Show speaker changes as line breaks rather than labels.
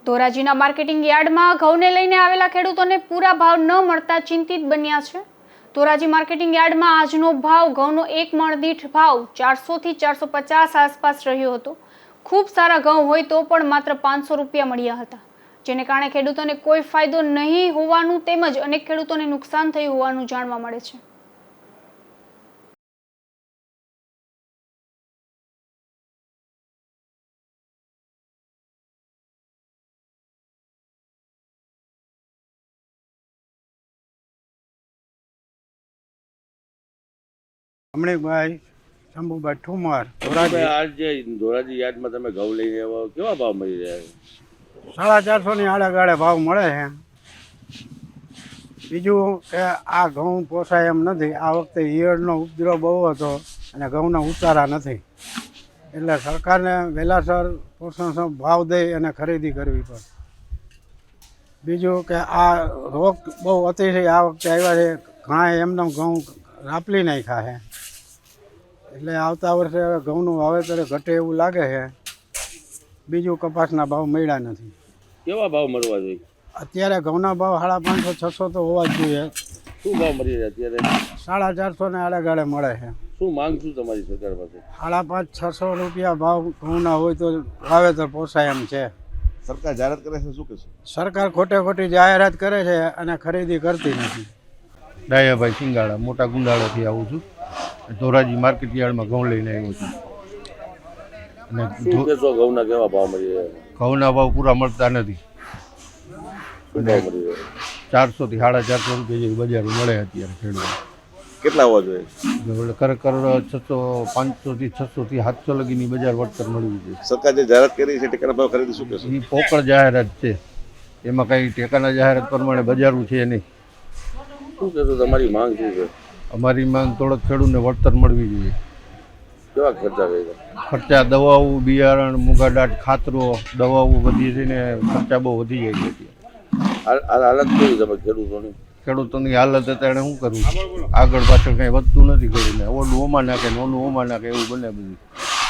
ધોરાજીના marketing યાર્ડમાં ઘઉંને લઈને આવેલા ખેડૂતોને પૂરા ભાવ ન મળતા ચિંતિત બન્યા છે। ધોરાજી માર્કેટિંગ યાર્ડમાં આજનો ભાવ ઘઉંનો એક મણ દીઠ ભાવ 400 થી 450 આસપાસ રહ્યો હતો। ખૂબ સારા ઘઉં હોય તો પણ માત્ર 500 રૂપિયા મળ્યા હતા, જેને કારણે ખેડૂતોને કોઈ ફાયદો નહીં હોવાનું તેમજ અનેક ખેડૂતોને નુકસાન થયું હોવાનું જાણવા મળે છે।
રમણીકભાઈ શંભુભાઈ ઠુમર
ધોરાજી યાર્ડમાં તમે ઘઉં લઈને આવો, કેવા ભાવ મળી રહ્યા છે?
450 આડેગાળે ભાવ મળે છે। બીજું કે આ ઘઉં પોસાય એમ નથી। આ વખતે ઈયળનો ઉપદ્રવ બહુ હતો અને ઘઉંના ઉતારા નથી, એટલે સરકારને વહેલાસર પોષણક્ષમ ભાવ દઈ અને ખરીદી કરવી પડે। બીજું કે આ રોગ બહુ અતિશય આ વખતે આવ્યા છે, ઘણા એમને ઘઉં રાપલી નાખ્યા છે, એટલે આવતા વર્ષે હવે ઘઉંનું વાવેતર ઘટે એવું લાગે છે। બીજું કપાસના ભાવ મળ્યા નથી।
કેવા ભાવ મળવા જોઈએ?
અત્યારે ઘઉંના ભાવ 550-600 તો હોવા જ જોઈએ।
શું ભાવ મળી રહ્યા અત્યારે?
450 આડેગાળે મળે છે।
શું માંગ શું તમારી સરકાર પાસે?
550-600 રૂપિયા ભાવ ઘઉંના હોય તો વાવેતર પોસાય એમ છે।
સરકાર જાહેરાત કરે છે, શું કહેશું?
સરકાર ખોટી જાહેરાત કરે છે અને ખરીદી કરતી નથી।
ડાયાભાઈ સિંગાળા, મોટા ગુંદાળાથી આવું છું। ધોરાજી માર્કેટ યાર્ડમાં ઘઉં લઈને આવ્યો છું અને
શું કહેશો, ઘઉંના કેવા ભાવ મળી રહ્યા?
ઘઉંના ભાવ પૂરા મળતા નથી।
શું ભાવ મળી રહ્યા?
400 થી 450 રૂપિયા જેવી બજારો મળે અત્યારે ખેડૂતો।
કેટલા હોવા જોઈએ?
ખરેખર 500 થી 600 થી 700 લગીની બજાર વળતર મળવી જોઈએ।
સરકાર જે જાહેરાત કરી છે ટેકાના ભાવ ખરીદી, શું કહેશો?
એ પોકળ જાહેરાત છે, એમાં કંઈ ટેકાના જાહેરાત પ્રમાણે બજારું છે નહીં।
શું કહેશો, તમારી માંગ શું છે?
અમારી માંગ થોડોક ખેડૂતને વળતર મળવી જોઈએ।
કેવા ખર્ચા કર્યા?
ખર્ચા દવાઓ, બિયારણ, મૂંગાડાટ, ખાતરો, દવાઓ વધી છે ને ખર્ચા બહુ વધી જાય છે અત્યારે।
હાલત કેવી તમે ખેડૂતોની?
ખેડૂતોની હાલત અત્યારે શું કરવું, આગળ પાછળ કંઈ વધતું નથી, કરીને ઓલું ઓમાં નાખે ને ઓલું ઓમાં નાખે એવું બને બધું।